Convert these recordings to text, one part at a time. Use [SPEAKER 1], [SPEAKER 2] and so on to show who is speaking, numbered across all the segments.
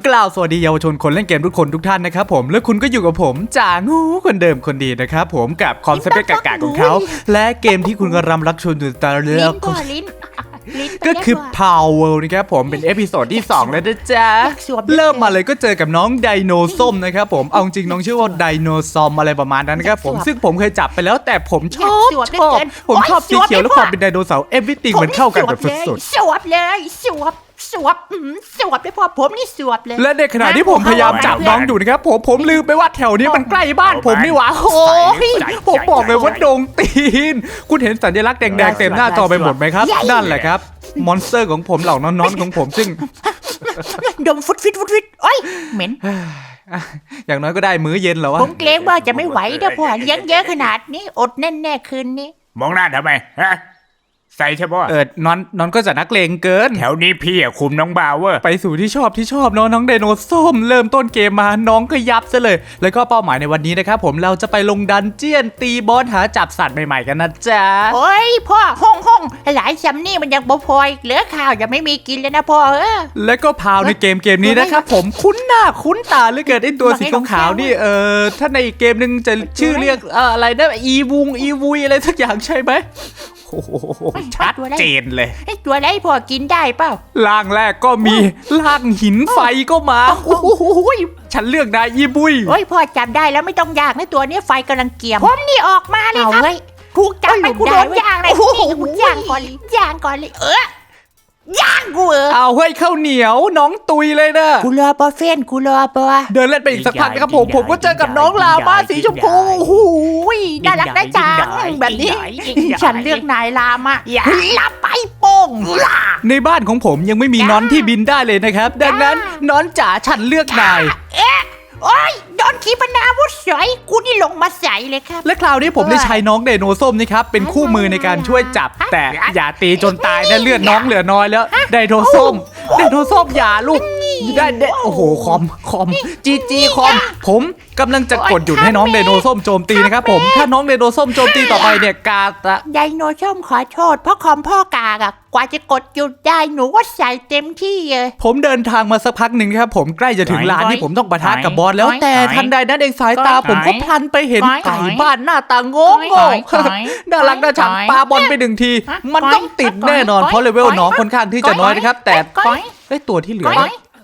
[SPEAKER 1] กล่าวสวัสดีเยาวชนคนเล่นเกมทุกคนทุกท่านนะครับผมและคุณก็อยู่กับผมจ่างูคนเดิมคนดีนะครับผมกับคอนเซ็ปต์กากๆของเขาและเกมที่คุณกำลังรักชมอยู่ตอนนี้ก็คือ Power นะครับผมเป็นเอพิโซดที่2แล้วนะจ๊ะเริ่มมาเลยก็เจอกับน้องไดโนส้มนะครับผมเอาจริงน้องชื่อว่าไดโนซอมอะไรประมาณนั้นนะครับผมซึ่งผมเคยจับไปแล้วแต่ผมชอบผมชอบสีเขียวและความเป็นไดโนเสาร์everythingมันเข้ากันแบบสุดๆ
[SPEAKER 2] สวบเลยสวบเลยพ่อผมนี่สวบเลย
[SPEAKER 1] และในขณะที่ผมพยายามจับน้องอยู่นะครับผมลืมไปว่าแถวนี้มันใกล้บ้านผมนี่หว่าโอ้ยผมบอกเลยว่าดงตีนคุณเห็นสัญลักษณ์แดงๆเต็มหน้าจอไปหมดไหมครับนั่นแหละครับมอนสเตอร์ของผมเหล่าน้อนๆของผมซึ่ง
[SPEAKER 2] ดมฟุดโอ้ยเหม็น
[SPEAKER 1] อย่างน้อยก็ได้มื้อเย็นแล้ววะ
[SPEAKER 2] ผมเกรงว่าจะไม่ไหวนะพ่อเลี้ยงเยอะขนาดนี้อดแน่ๆคืนนี้
[SPEAKER 3] มองหน้าทำไมฮะใส่ใช่ปะ
[SPEAKER 1] น้องก็จะนักเลงเกิน
[SPEAKER 3] แถวนี้พี่อะคุมน้องบาวเวอร์
[SPEAKER 1] ไปสู่ที่ชอบน้องไดโนส้มเริ่มต้นเกมมาน้องก็ยับซะเลยแล้วก็เป้าหมายในวันนี้นะครับผมเราจะไปลงดันเจียนตีบอสหาจับสัตว์ใหม่ๆกันนะจ๊ะ
[SPEAKER 2] โอ้ยพ่อห้องหลายซัมนี่มันยังบ่พอยเหลือข้าวจะไม่มีกินเลยนะพ่อ
[SPEAKER 1] แล้วก็พาวในเกมนี้นะครับผมคุ้นหน้าคุ้นตาเหลือเกินไอ้ตัวสีขาวๆนี่ถ้าในอีกเกมนึงจะชื่อเรียกอะไรนะอีวุยอะไรสักอย่างใช่ไหมโอ้โหชัดเจนเลย
[SPEAKER 2] ไอ้ตัวไรพอกินได้เปล่า
[SPEAKER 1] ล่างแรกก็มีล่างหินไฟก็มาโอ้โหฉันเลือกได้ยีบุย
[SPEAKER 2] โอ้ยพอจับได้แล้วไม่ต้องยากนะตัวนี้ไฟกำลังเกี่ยมผมนี่ออกมาเลยครับถูกจับไปกูโดนย่างเลยย่างก่อนเลยย่างกู
[SPEAKER 1] เอาเฮ้ยข้าวเหนียวน้องตุยเลยนะ
[SPEAKER 2] กูรอปอเฟนกูรอปอ
[SPEAKER 1] เดินเล่นไปอีกสักพักนะครับผมก็เจอกับน้องลาบ้าสีชมพู
[SPEAKER 2] น่ารักน่าจังแบบนี้ฉันเลือกนายลามาลาไปโป่ง
[SPEAKER 1] ในบ้านของผมยังไม่มีน้อนที่บินได้เลยนะครับดังนั้นน้อนจ๋าฉันเลือกนาย
[SPEAKER 2] โอ้ยโดนขีปนาวุธสอยกูนี่ลงมาใส่เลยครับ
[SPEAKER 1] และคราวนี้ผมได้ใช้น้องไดโนส้มนี่ครับเป็นคู่มือในการช่วยจับแต่อย่าตีจนตายนะเลือดน้องเหลือน้อยแล้วไดโนส้มอย่าลูกได้โอ้โหคอมจีคอมผมกำลังจะกดหยุดให้น้องไดโนส้มโจมตีนะครับผมถ้าน้องไดโนส้มโจมตีต่อไปเนี่ยกาตะ
[SPEAKER 2] ไดโนส้มขอโทษเพราะคอมพ่อกากอะกว่าจะกดหยุดได้หนูว่าใส่เต็มที่เลย
[SPEAKER 1] ผมเดินทางมาสักพักหนึ่งครับผมใกล้จะถึงลานที่ผมต้องปะทะกับบอสแล้วแต่ทันใดนั้นเองสายตาผมก็พลันไปเห็นไก่บ้านหน้าตาโง่น่ารักน่าชังปาบอลไป1ทีมันต้องติดแน่นอนเพราะเลเวลน้องค่อนข้างที่จะน้อยนะครับแต่ตัวที่เหลือ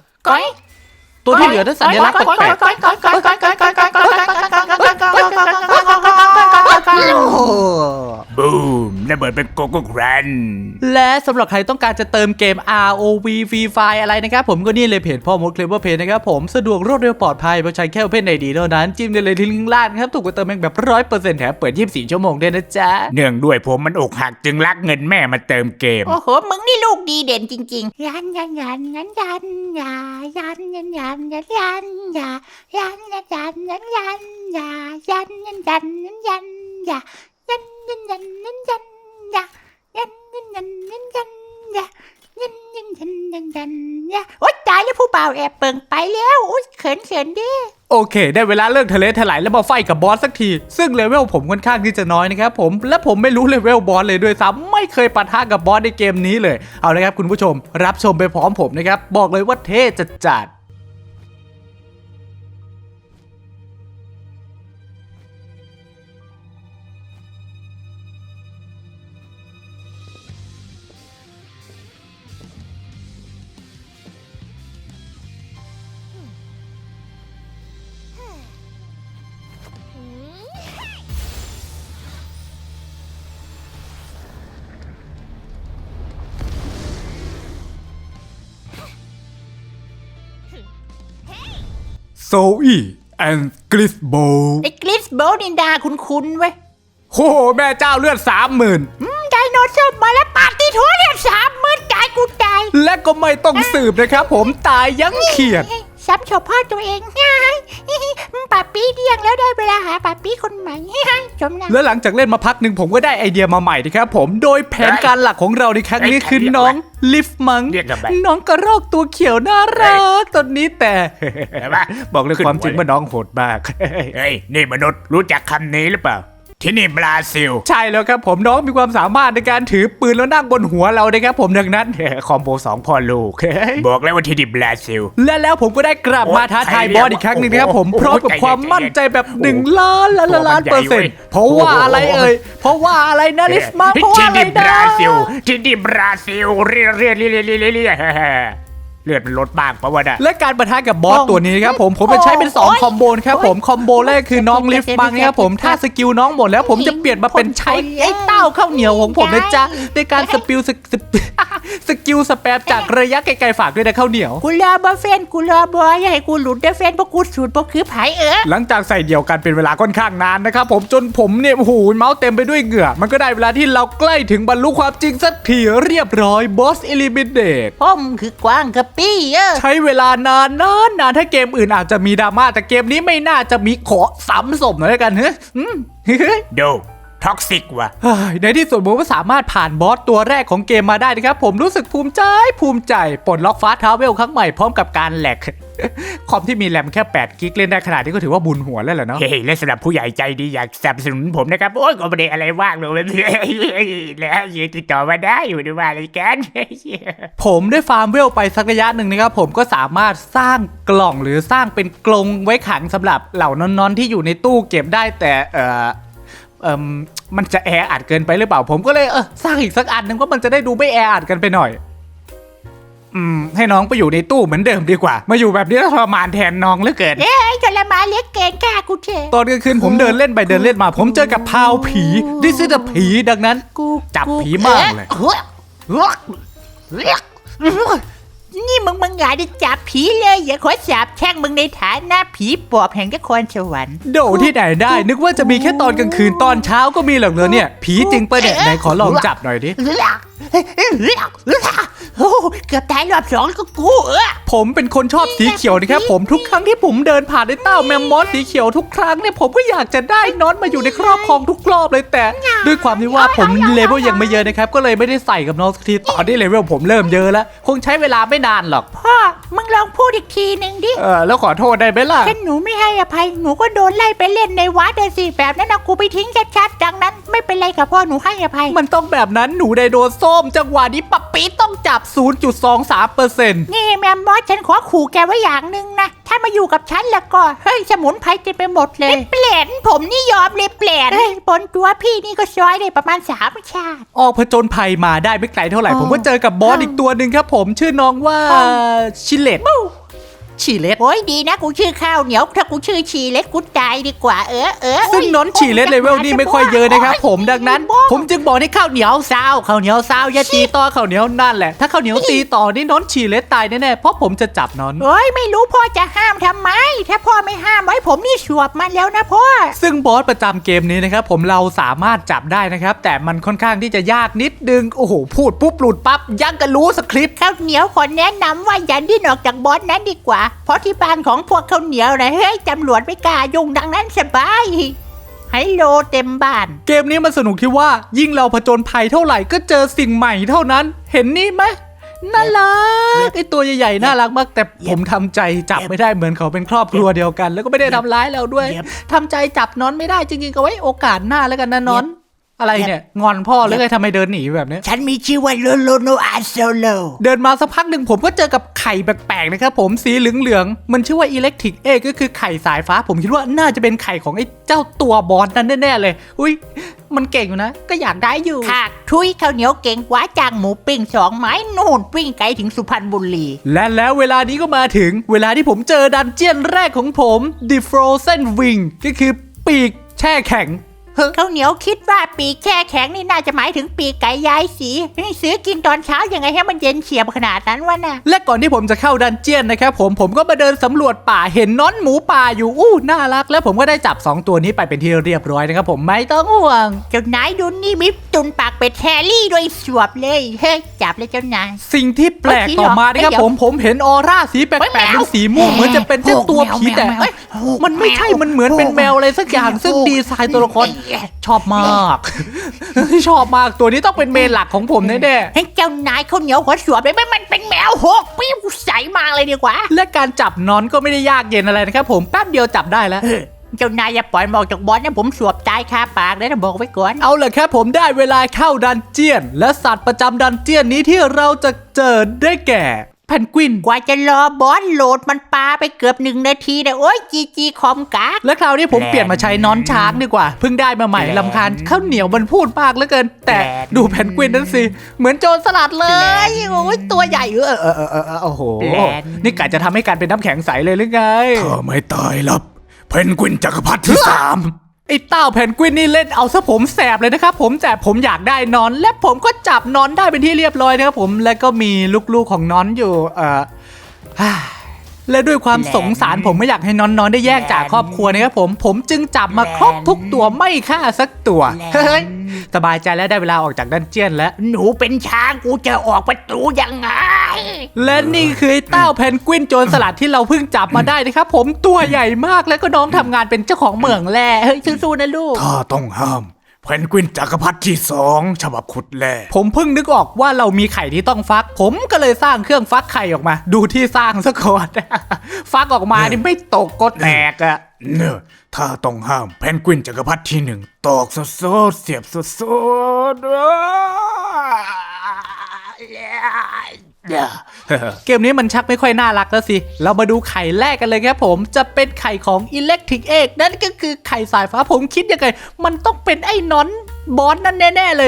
[SPEAKER 1] นั้นสัญลักษณ์แปลก
[SPEAKER 3] บูมระเบิดเป็นโกโก้แกรน
[SPEAKER 1] และสำหรับใครต้องการจะเติมเกม ROV Free Fire อะไรนะครับผมก็นี่เลยเพจพ่อมด Clever Play นะครับผมสะดวกรวดเร็วปลอดภัยเพราะใช้แค่ Open ID เท่านั้นจิ้มได้เลยที่ลิงก์ล่างครับถูกกว่าเติมเองแบบ 100% แถมเปิด24ชั่วโมงด้วยนะจ๊ะ
[SPEAKER 3] เนื่องด้วยผมมันอกหักจึงรักเงินแม่มาเติมเกม
[SPEAKER 2] โอ้โหมึงนี่ลูกดีเด่นจริงๆยันโอ๊ยตายแล้วผู้บ่าวแอบเปิงไปแล้วโอ๊ยเขินดิ
[SPEAKER 1] โอเคได้เวลาเลิกทะเลถลายแล้วมาไฟกับบอสสักทีซึ่งเลเวลผมค่อนข้างที่จะน้อยนะครับผมและผมไม่รู้เลเวลบอสเลยด้วยซ้ำไม่เคยปะทะกับบอสในเกมนี้เลยเอาละครับคุณผู้ชมรับชมไปพร้อมผมนะครับบอกเลยว่าเท่จัดโซอี้แอนด์กริสโบ
[SPEAKER 2] ไอ้กริสโบนินดาคุ้นเว้ย
[SPEAKER 1] โหแม่เจ้าเลือด 30,000
[SPEAKER 2] ไดโนเสาร์มาแล้วปาติโถเลือด 30,000ตายกูตาย
[SPEAKER 1] และก็ไม่ต้องสืบนะครับผมตายยังเขียด
[SPEAKER 2] ซ้ำชอบพ่อตัวเองป้าปี้เดียงแล้วได้เวลาหาป้าปี้คนใหม่ชมนะ
[SPEAKER 1] แล้วหลังจากเล่นมาพักหนึ่งผมก็ได้ไอเดียมาใหม่นะครับผมโดยแผนการหลักของเราในครั้งนี้คือน้องลิฟมังน้องกระรอกตัวเขียวน่ารักตอนนี้แต่บอกเลยความจริงว่าน้องโหดมาก
[SPEAKER 3] เฮ้ยนี่มนุษย์รู้จักคำนี้หรือเปล่าที่นี่บราซิล
[SPEAKER 1] ใช่แล้วครับผมน้องมีความสามารถในการถือปืนแล้วนั่งบนหัวเรานะครับผมดังนั้นคอมโบ2พ่อลูก
[SPEAKER 3] บอกแล้วว่าที่นี่บราซิล
[SPEAKER 1] และแล้วผมก็ได้กลับมาท้าทายบอสอีกครั้งหนึ่งนะครับผมพร้อมกับความมั่นใจแบบ1 ล้านเปอร์เซ็นต์เพราะว่าอะไรเอ่ยเพราะว่าอะไรนะลิฟมาเพราะว่า
[SPEAKER 3] ที่
[SPEAKER 1] อะไร
[SPEAKER 3] นี่บ
[SPEAKER 1] นะ
[SPEAKER 3] ราซิลที่นี่บราซิลเรียเลือดมันลดบ้างเพราะว่าน่ะ
[SPEAKER 1] และการปะทะกับบอสตัวนี้นะครับผมจะใช้เป็น2คอมโบนะครับผมคอมโบแรกคือน้องลิฟมังนะครับผมถ้าสกิลน้องหมดแล้วผมจะเปลี่ยนมาเป็นใช้ไอ้เต้าข้าวเหนียวของผมนะจ๊ะในการสกิลสแปมจากระยะไกลๆฝากด้วยนะข้าวเหนียว
[SPEAKER 2] กูรอบอเฟนกูรอบออย่าให้กูหลุดได้เฟนเพราะกูสูตรเพราะคือไผ
[SPEAKER 1] หลังจากใส่เดี่ยวกันเป็นเวลาค่อนข้างนานนะครับผมจนผมเนี่ยโอ้โหเมาส์เต็มไปด้วยเหงื่อมันก็ได้เวลาที่เราใกล้ถึงบรรลุความจริงสักทีเรียบร้อยบอสเอลิมิเนต
[SPEAKER 2] ผมคือกวางกะปี้
[SPEAKER 1] ใช้เวลานานถ้าเกมอื่นอาจจะมีดราม่าแต่เกมนี้ไม่น่าจะมีขอซ้ำสมหน่อยแล้วกันเฮ้ย
[SPEAKER 3] ดูท็อกซิกว่ะ
[SPEAKER 1] ในที่สุดผมก็สามารถผ่านบอสตัวแรกของเกมมาได้นะครับผมรู้สึกภูมิใจปลดล็อกฟาสต์ทราเวลครั้งใหม่พร้อมกับการแหลก คอมที่มีแรมแค่8 กิกเล่นได้ขนาดนี้ก็ถือว่าบุญหัวแล้วแหละเนาะ
[SPEAKER 3] เฮ้ยและสำหรับผู้ใหญ่ใจดีอยากสนับสนุนผมนะครับโอ้ยก็ไม่ได้อะไรว่างเลยแล้วยืนติดต่อมาได้อยู่ด้วยว่าอะไรกัน
[SPEAKER 1] ผมได้ฟาร์มเวลไปสักระยะหนึ่งนะครับผมก็สามารถสร้างกล่องหรือสร้างเป็นกรงไว้ขังสำหรับเหล่านอนๆที่อยู่ในตู้เก็บได้แต่มันจะแออัดเกินไปหรือเปล่าผมก็เลยสร้างอีกสักอันหนึ่งว่ามันจะได้ดูไม่แออัดกันไปหน่อยให้น้องไปอยู่ในตู้เหมือนเดิมดีกว่ามาอยู่แบบนี้ทรมานแทนน้องเหลือเกิน
[SPEAKER 2] ทรมานเล็กเกินกล้ากูเถอะ
[SPEAKER 1] ตอนกลางคืนผมเดินเล่นไปเดินเล่นมาผมเจอกับพาวผีดิซิดผีดังนั้นจับผีมากเลย
[SPEAKER 2] นี่มึงอย่าได้จับผีเลยอย่าขอสาบแช่งมึงในฐานะผีปอบแห่งนครสวรรค์
[SPEAKER 1] โดที่ไหนได้นึกว่าจะมีแค่ตอนกลางคืนตอนเช้าก็มีหรอกเลยเนี่ยผีจริงปะเนี่ยไหนขอลองจับหน่อยดิ
[SPEAKER 2] เกือบตายรอบ2ก็กู
[SPEAKER 1] ผมเป็นคนชอบสีเขียวนะครับผมทุกครั้งที่ผมเดินผ่านในเต้าแมมมอสสีเขียวทุกครั้งเนี่ยผมก็อยากจะได้น็อตมาอยู่ในครอบครองทุกรอบเลยแต่ด้วยความที่ว่าผมเลเวลยังไม่เยอะนะครับก็เลยไม่ได้ใส่กับน้องสักทีตอนนี้เลเวลผมเริ่มเยอะแล้วคงใช้เวลาไม่นานหรอก
[SPEAKER 2] พ่อมึงลองพูดอีกทีนึงดิ
[SPEAKER 1] แล้วขอโทษได้ไหมล่ะ
[SPEAKER 2] ถ้าหนูไม่ให้อภัยหนูก็โดนไล่ไปเล่นในวัดเลยสิแบบนั้นนะกูไปทิ้งชัดๆดังนั้นไม่เป็นไรกับพ่อหนูให้อภัย
[SPEAKER 1] มันต้องแบบนั้นหนูไดโนส้มจังหวะนี้ปั๊บปีต้องจับ 0.23%
[SPEAKER 2] นี่แมมมอสฉันขอขู่แกไว้อย่างหนึ่งนะถ้ามาอยู่กับฉันแล้วก็เฮ้ยสมุนไพรเต็มไปหมดเลยเปลี่ยนผมนี่ยอมเลยเปลี่ยนบนตัวพี่นี่ก็ซอยได้ประมาณ3 ชาติ
[SPEAKER 1] ออกผจญภัยมาได้ไม่ไกลเท่าไหร่ผมก็เจอกับบอสอีกตัวหนึ่งครับผมชื่อน้องว่าชิเลตชีเลต
[SPEAKER 2] โอ้ยดีนะกูชื่อข้าวเหนียวถ้ากูชื่อชีเลตกูตายดีกว่า
[SPEAKER 1] ซึ่งน้องชีเลตเลเวลนี่ไม่ค่อยเยอะนะครับผมดังนั้นผมจึงบอกให้ข้าวเหนียวซาวอย่าตีต่อข้าวเหนียวนั่นแหละถ้าข้าวเหนียวตีต่อนี่น้องชีเลตตายแน่ๆเพราะผมจะจับน้อง
[SPEAKER 2] โอ้ยไม่รู้พ่อจะห้ามทำไมถ้าพ่อไม่ห้ามไว้ผมนี่สวบมันแล้วนะพ่อ
[SPEAKER 1] ซึ่งบอสประจำเกมนี้นะครับผมเราสามารถจับได้นะครับแต่มันค่อนข้างที่จะยากนิดนึงโอ้โหพูดปุ๊บหลุดปั๊บยังก็รู้สคริปต์
[SPEAKER 2] ข้าวเหนียวขอแนะนำว่าอย่าดิ้นออกจากบอสนั้นดีกว่าเพราะที่บ้านของพวกข้าวเหนียวนะเฮ้ยตำรวจไม่กล้ายุ่งดังนั้นสบายให้โลเต็มบ้าน
[SPEAKER 1] เกมนี้มันสนุกที่ว่ายิ่งเราผจญภัยเท่าไหร่ก็เจอสิ่งใหม่เท่านั้นเห็นนี่ไหมน่ารักไอตัวใหญ่ๆน่ารักมากแต่ผมทำใจจับไม่ได้เหมือนเขาเป็นครอบครัวเดียวกันแล้วก็ไม่ได้ทำร้ายเราด้วยทำใจจับนอนไม่ได้จริงๆก็ไว้โอกาสหน้าแล้วกันนะนอนอะไรเนี่ยงอนพ่อหรือไงทำไมเดินหนีแบบนี้
[SPEAKER 2] ฉันมีชื่อว่าโลโลโนอาโซโล
[SPEAKER 1] เดินมาสักพักหนึ่งผมก็เจอกับไข่แปลกๆนะครับผมสีเหลืองๆมันชื่อว่าอิเล็กทริกเอก็คือไข่สายฟ้าผมคิดว่าน่าจะเป็นไข่ของไอ้เจ้าตัวบอสนั้นแน่ๆเลยอุ้ยมันเก่งอยู่นะก็อยากได้อยู่
[SPEAKER 2] ค่ะทุยข้าวเหนียวเก่งกว่าจางหมูปิ้ง2 ไม้นู่นปิ้งไกลถึงสุพรรณบุรี
[SPEAKER 1] และแล้วเวลานี้ก็มาถึงเวลาที่ผมเจอดันเจี้ยนแรกของผม The Frozen Wing ก็คือปีกแช่แข็ง
[SPEAKER 2] ข้าวเหนียวคิดว่าปีกแช่แข็งนี่น่าจะหมายถึงปีกไก่ย้ายสีนี่ซื้อกินตอนเช้ายังไงให้มันเย็นเฉียบขนาดนั้นวะน่ะ
[SPEAKER 1] และก่อนที่ผมจะเข้าดันเจี้ยนนะครับผมก็มาเดินสำรวจป่าเห็นน้อนหมูป่าอยู่น่ารักแล้วผมก็ได้จับ2ตัวนี้ไปเป็นที่เรียบร้อยนะครับผมไม่ต้องห่วง
[SPEAKER 2] เจ้านายดูนี่มิตุนปากเป็ดแฮร์รี่ด้วยสวบเลยเฮ้ยจับเลยเจ้านาย
[SPEAKER 1] สิ่งที่แปลกต่อมานะครับผมเห็นออร่าสีแปลกๆเป็นสีม่วงเหมือนจะเป็นเจ้าตัวผีแต่มันไม่ใช่มันเหมือนเป็นแมวอะไรสักอย่างซึ่งดีไซน์ตัวละครชอบมากชอบมากตัวนี้ต้องเป็นเมนหลักของผมแน่
[SPEAKER 2] ๆให้เจ้านายข้าวเหนียวหัวสวบเลยไม่มันเป็นแมว6 ปีใสมากเลยดีกว่า
[SPEAKER 1] และการจับนอนก็ไม่ได้ยากเย็นอะไรนะครับผมแป๊บเดียวจับได้แล้ว
[SPEAKER 2] เจ้านายอย่าปล่อยมันออกจากบอสนะผมสวบตายคาปากเลยนะบอกไว้ก่อน
[SPEAKER 1] เอาเลยครับผมได้เวลาเข้าดันเจียน และสัตว์ประจำดันเจียนนี้ที่เราจะเจอได้แก่แพนกวิน
[SPEAKER 2] กว่าจะรอบอสโหลดมันปาไปเกือบ1 นาทีนะโอ้ยจีคอมกาก
[SPEAKER 1] และคราวนี้ผมเปลี่ยนมาใช้น้อนช้างดีกว่าเพิ่งได้มาใหม่ลำคาญข้าวเหนียวมันพูดมากเหลือเกิน แต่ดูแพนกวินนั้นสิเหมือนโจรสลัดเลยโอ้ยตัวใหญ่โอ้โหนี่กะจะทำให้การเป็นน้ำแข็งใสเลยหรือไง
[SPEAKER 3] เธอไม่ตายหรอกเพนกวินจักรพรรดิที่ 3
[SPEAKER 1] ไอ้เต้าแพนกวินนี่เล่นเอาซะผมแสบเลยนะครับผมแต่ผมอยากได้นอนและผมก็จับนอนได้เป็นที่เรียบร้อยนะครับผมแล้วก็มีลูกๆของนอนอยู่และด้วยความสงสารผมไม่อยากให้นอนได้แยกจากครอบครัวนะครับผมจึงจับมาครบทุกตัวไม่ฆ่าสักตัวเฮ้ยสบายใจแล้วได้เวลาออกจากดันเจียนแล้ว
[SPEAKER 2] หนูเป็นช้างกูจะออกประตูยังไง
[SPEAKER 1] และนี่คือไอ้เต้าแพนกวินโจรสลัดที่เราเพิ่งจับมาได้นะครับผมตัวใหญ่มากแล้วก็น้องทำงานเป็นเจ้าของเหมืองแร่เฮ้ยสู้ๆนะลูก
[SPEAKER 3] ถ้าต้องห้ามเพนกวินจักรพรรดิที่ 2ฉบับขุดแร่
[SPEAKER 1] ผมเพิ่งนึกออกว่าเรามีไข่ที่ต้องฟัก ผมก็เลยสร้างเครื่องฟักไข่ออกมา ดูที่สร้างซะก่อน ฟักออกมานี่ไม่ตกก็แตกอะ
[SPEAKER 3] เนอะถ้าต้องห้ามเพนกวินจักรพรรดิที่ 1ตอกสดๆเสียบสดๆ
[SPEAKER 1] เกมนี้มันชักไม่ค่อยน่ารักแล้วสิ เรามาดูไข่แรกกันเลยครับผมจะเป็นไข่ของ Electric Egg นั่นก็คือไข่สายฟ้าผมคิดยังไงมันต้องเป็นไอ้นอนบอสนั่นแน่ๆเลย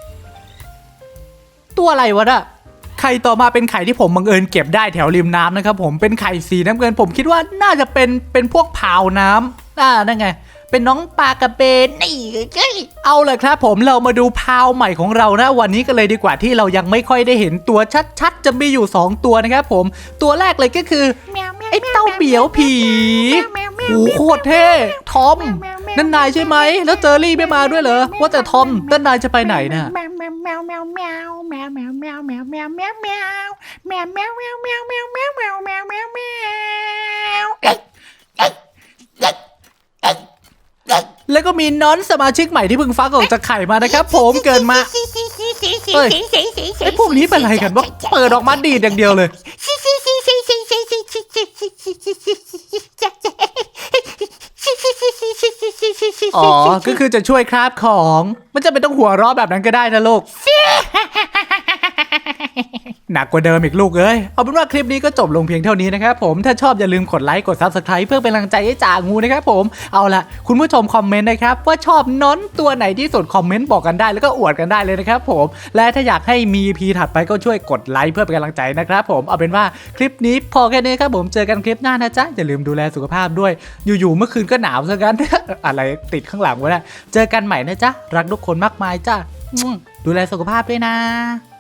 [SPEAKER 1] ตัวอะไรวะน่ะไข่ต่อมาเป็นไข่ที่ผมบังเอิญเก็บได้แถวริมน้ำนะครับผมเป็นไข่สีน้ำเงินผมคิดว่าน่าจะเป็นพวกพาวน้ำนั่นไงเป็นน้องปลากระเบนนี่เอาเลยครับผมเรามาดูพาวใหม่ของเรานะวันนี้กันเลยดีกว่าที่เรายังไม่ค่อยได้เห็นตัวชัดๆจะมีอยู่2ตัวนะครับผมตัวแรกเลยก็คือไอ้เต้าเปียวผีโอ้โคตรเท่ทอมนั่นนายใช่ไหมแล้วเจอรี่ไม่มาด้วยเหรอว่าแต่ทอมนั่นนายจะไปไหนน่ะ แล้วก็มีน้อนสมาชิกใหม่ที่เพิ่งฟักออกจากไข่มานะครับผมเกินมาไอ้พวกนี้เป็นอะไรกันวะเปิดออกมาดีดอย่างเดียวเลยอ๋อก็คือจะช่วยคราบของมันจะไม่ต้องหัวเราะแบบนั้นก็ได้นะลูก หนักกว่าเดิมอีกลูกเอ้ยเอาเป็นว่าคลิปนี้ก็จบลงเพียงเท่านี้นะครับผมถ้าชอบอย่าลืมกดไลค์กด Subscribe เพื่อเป็นกำลังใจให้จ่างูนะครับผมเอาล่ะคุณผู้ชมคอมเมนต์นะครับว่าชอบน้อนตัวไหนที่สุดคอมเมนต์บอกกันได้แล้วก็อวดกันได้เลยนะครับผมและถ้าอยากให้มี EP ถัดไปก็ช่วยกดไลค์เพื่อเป็นกำลังใจนะครับผมเอาเป็นว่าคลิปนี้พอแค่นี้ครับผมเจอกันคลิปหน้านะจ๊ะอย่าลืมดูแลสุขภาพด้วยอยู่ๆเมื่อคืนก็หนาวซะงั้น อะไรติดข้างหลังวะเนี่ยเจอกันใหม่นะจ๊ะรักทุกคนมากมายจ้ะดูแลสุขภาพด้วยนะ